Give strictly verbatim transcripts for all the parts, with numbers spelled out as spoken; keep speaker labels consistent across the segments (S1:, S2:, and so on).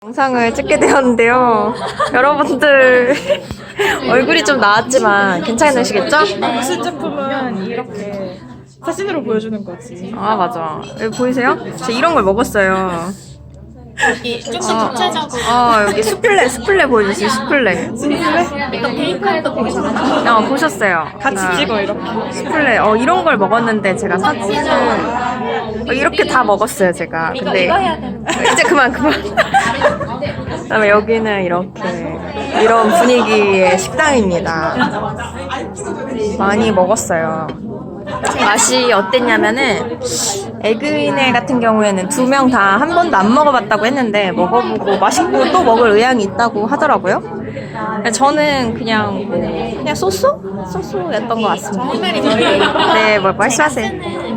S1: 영상을 찍게 되었는데요. 여러분들 얼굴이 좀 나왔지만 괜찮으시겠죠?
S2: 무슨 제품은 이렇게 사진으로 보여주는 거지.
S1: 아 맞아. 여기 보이세요? 저 이런 걸 먹었어요.
S3: 여기 조금 구체적으로
S1: 아 여기 수플레 수플레 보여주세요. 수플레.
S3: 이거 베이컨도 보셨나요?
S1: 어 보셨어요.
S2: 같이
S1: 아,
S2: 찍어 이렇게.
S1: 수플레. 어 이런 걸 먹었는데 제가 사진을 어, 이렇게 다 먹었어요 제가.
S3: 이거
S1: 근데
S3: 이거 해야 되는 거
S1: 이제 그만 그만. 그다음에 여기는 이렇게 이런 분위기의 식당입니다. 많이 먹었어요. 맛이 어땠냐면은 에그이네 같은 경우에는 두 명 다 한 번도 안 먹어봤다고 했는데 먹어보고 맛있고 또 먹을 의향이 있다고 하더라고요. 저는 그냥 뭐 그냥 소스? 소스였던 것 같습니다. 네, 뭐 말씀하세요.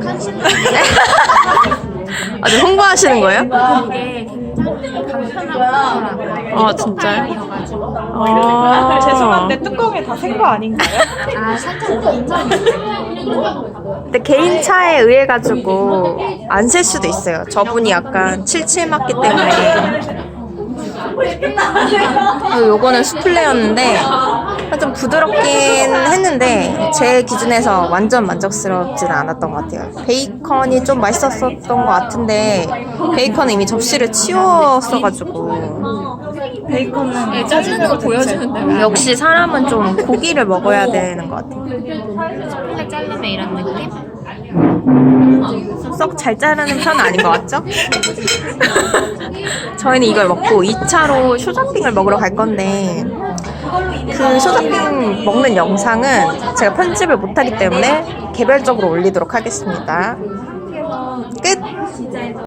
S1: 아, 저 홍보하시는 거예요?
S3: 이게 굉장히 간편하고
S1: 아, 진짜요?
S2: 아, 죄송한데 뚜껑에 다 센 거 아닌가요?
S3: 아 살짝 인정.
S1: 근데 개인 차에 의해 가지고 안 셀 수도 있어요. 저분이 약간 칠칠 맞기 때문에. 어, 요거는 수플레였는데 좀 부드럽긴 했는데 제 기준에서 완전 만족스럽지는 않았던 것 같아요. 베이컨이 좀 맛있었던 것 같은데 베이컨은 이미 접시를 치웠어가지고.
S2: 베이컨은
S3: 자르는 거 보여주는데
S1: 역시 사람은 좀 고기를 먹어야 되는 것 같아요.
S3: 살 자르면 이런 느낌?
S1: 썩 잘 자르는 편은 아닌 것 같죠? 저희는 이걸 먹고 이 차로 쇼자핑을 먹으러 갈 건데 그 쇼자핑 먹는 영상은 제가 편집을 못하기 때문에 개별적으로 올리도록 하겠습니다. 끝!